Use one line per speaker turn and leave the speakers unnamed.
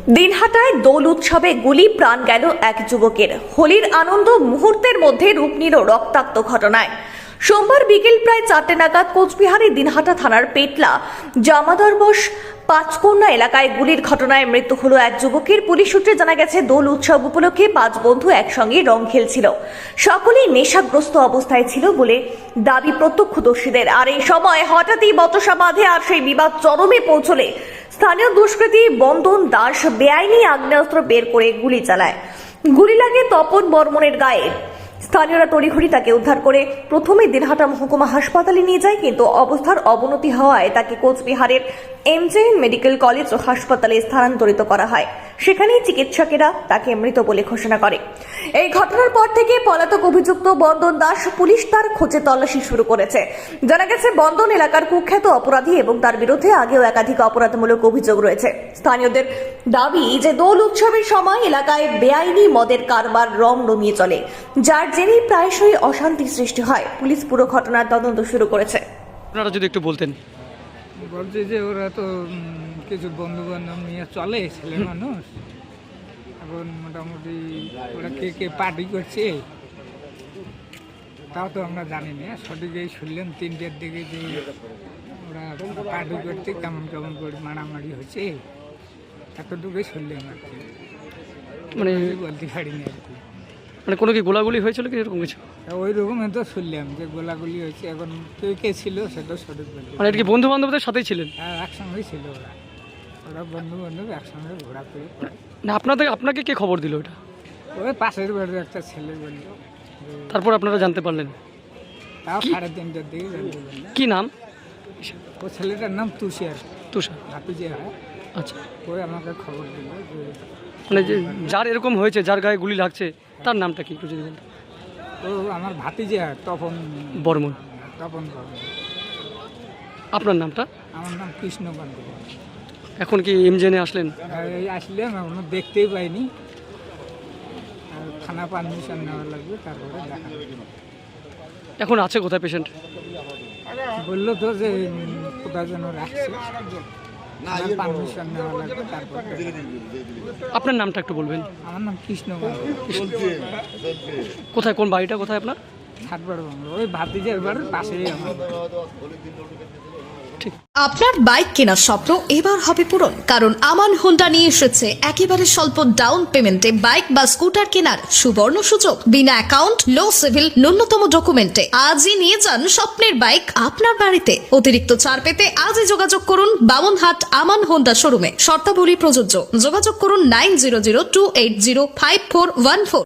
দিনহাটায় দোল উৎসবে গুলি প্রাণ গেল এক যুবকের। হোলির আনন্দ মুহূর্তের মধ্যে রূপ নিল রক্তাক্ত ঘটনায়। সোমবার বিকেল প্রায় 4টে নাগাদ কোচবিহারের দিনহাটা থানার পেটলা জামাদরবশ পাঁচকন্যা এলাকায় গুলির ঘটনায় মৃত্যু হলো এক যুবকের। পুলিশ সূত্রে জানা গেছে, দোল উৎসব উপলক্ষে 5 বন্ধু একসঙ্গে রং খেলছিল। সকলেই নেশাগ্রস্ত অবস্থায় ছিল বলে দাবি প্রত্যক্ষদর্শীদের। আর এই সময় হঠাৎই বচসা বাঁধে আর সেই বিবাদ চরমে পৌঁছলে স্থানীয় দুষ্কৃতী বন্দন দাস বেআইনি আগ্নেয়াস্ত্র বের করে গুলি চালায়। গুলি লাগে তপন বর্মনের গায়ে। স্থানীয়রা তড়িঘড়ি তাকে উদ্ধার করে প্রথমে দিনহাটা মহকুমা হাসপাতালে নিয়ে যায়, কিন্তু অবস্থার অবনতি হওয়ায় তাকে কোচবিহারের এমজেএন মেডিকেল কলেজ ও হাসপাতালে স্থানান্তরিত করা হয়। সেখানেই চিকিৎসকেরা তাকে মৃত বলে ঘোষণা করে। এই ঘটনার পর থেকে পলাতক অভিযুক্ত বন্দন দাস পুলিশ তার খোঁজে তল্লাশি শুরু করেছে। জানা গেছে, বন্দন এলাকার কুখ্যাত অপরাধী এবং তার বিরুদ্ধে আগেও একাধিক অপরাধমূলক অভিযোগ রয়েছে। স্থানীয়দের দাবি যে দোল উৎসবের সময় এলাকায় বেআইনি মদের কারবার রমরমিয়ে চলে, যার জেরেই প্রায়শই অশান্তি সৃষ্টি হয়। পুলিশ পুরো ঘটনার তদন্ত শুরু করেছে।
আপনারা যদি একটু বলতেন।
বলছে যে ওরা তো কিছু বন্ধু বান্ধব নিয়ে চলে, ছেলে মানুষ। এখন মোটামুটি ওরা কে কে পার্টি করছে তাও তো আমরা জানি না। সঠিকই শুনলাম 3টের দিকে যে ওরা পার্টি করতে কেমন কেমন করে মারামারি হচ্ছে, এতটুকুই শুনলাম আর কি।
মানে
বলতে পারিনি আর কি।
মানে কোনো কি গোলাগুলি হয়েছিল কি এরকম কিছু?
ওই রকমই তো শুনলাম যে গোলাগুলি হয়েছে। এখন কে কে ছিল সেটা সঠিক বলতে
মানে এটা কি বন্ধু বান্ধবদের সাথেই ছিলেন?
হ্যাঁ, একসঙ্গেই ছিল ওরা। ওরা বন্ধু বান্ধব একসঙ্গে ঘোরাফেরি করে।
না আপনাকে কে খবর দিল এটা?
ওই পাশের বাড়ির একটা ছেলে বলল।
তারপর আপনারা জানতে পারলেন?
তাও 3:30টার দিকে জানতে পারলাম।
কি নাম?
ও ছেলেটার নাম তুষার,
তুষার।
ভাতিজে হয়।
আচ্ছা,
ওই আমাকে খবর দিল যে
মানে যে যার এরকম হয়েছে, যার গায়ে গুলি লাগছে, তার নামটা কি একটু যদি বলতেন?
ও আমার ভাতিজে হয়, তপন
বর্মন।
বর্মন।
আপনার নামটা?
আমার নাম কৃষ্ণকান্ত।
এখন কি এমজেনে আসলেন?
এই আসলাম, এখনো দেখতেই পাইনি। আর থানা পারমিশন নেওয়া লাগবে, তারপরে দেখা যাবে।
এখন আছে কোথায় পেশেন্ট?
বললো তো যে কোথায় যেন রাখছে, পারমিশন নেওয়া লাগবে, তারপর দেখা যাবে।
আপনার নামটা একটু বলবেন?
আমার নাম কৃষ্ণকান্ত।
কোথায়, কোন বাড়িটা কোথায় আপনার?
হাটবার বাংলা, ওই ভাতিজের বাড়ির পাশেই আমার।
আপনার বাইক কেনার স্বপ্ন এবার হবে পূরণ, কারণ আমান হোন্ডা নিয়ে এসেছে একেবারে স্বল্প ডাউন পেমেন্টে বাইক বা স্কুটার কেনার সুবর্ণ সুযোগ। বিনা অ্যাকাউন্ট, লো সিভিল, ন্যূনতম ডকুমেন্টে আজই নিয়ে যান স্বপ্নের বাইক আপনার বাড়িতে। অতিরিক্ত ছাড় পেতে আজই যোগাযোগ করুন বামনহাট আমান হোন্ডা শোরুমে। শর্তাবলী প্রযোজ্য। যোগাযোগ করুন 9002805414।